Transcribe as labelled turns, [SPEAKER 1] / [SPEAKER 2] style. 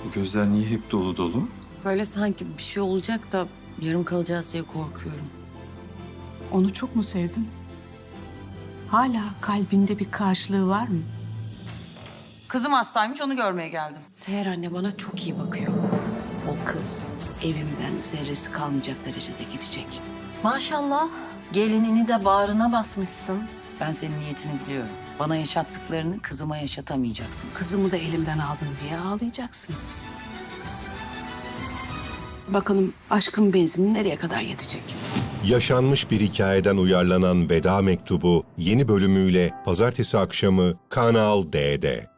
[SPEAKER 1] Bu gözler niye hep dolu dolu?
[SPEAKER 2] Böyle sanki bir şey olacak da yarım kalacağız diye korkuyorum.
[SPEAKER 3] Onu çok mu sevdin? Hala kalbinde bir karşılığı var mı?
[SPEAKER 4] Kızım hastaymış, onu görmeye geldim.
[SPEAKER 2] Seher anne bana çok iyi bakıyor.
[SPEAKER 3] O kız evimden zerresi kalmayacak derecede gidecek.
[SPEAKER 5] Maşallah. Gelinini de bağrına basmışsın.
[SPEAKER 4] Ben senin niyetini biliyorum. Bana yaşattıklarını kızıma yaşatamayacaksın.
[SPEAKER 3] Kızımı da elimden aldın diye ağlayacaksınız. Bakalım aşkın benzini nereye kadar yetecek?
[SPEAKER 6] Yaşanmış bir hikayeden uyarlanan Veda Mektubu yeni bölümüyle pazartesi akşamı Kanal D'de.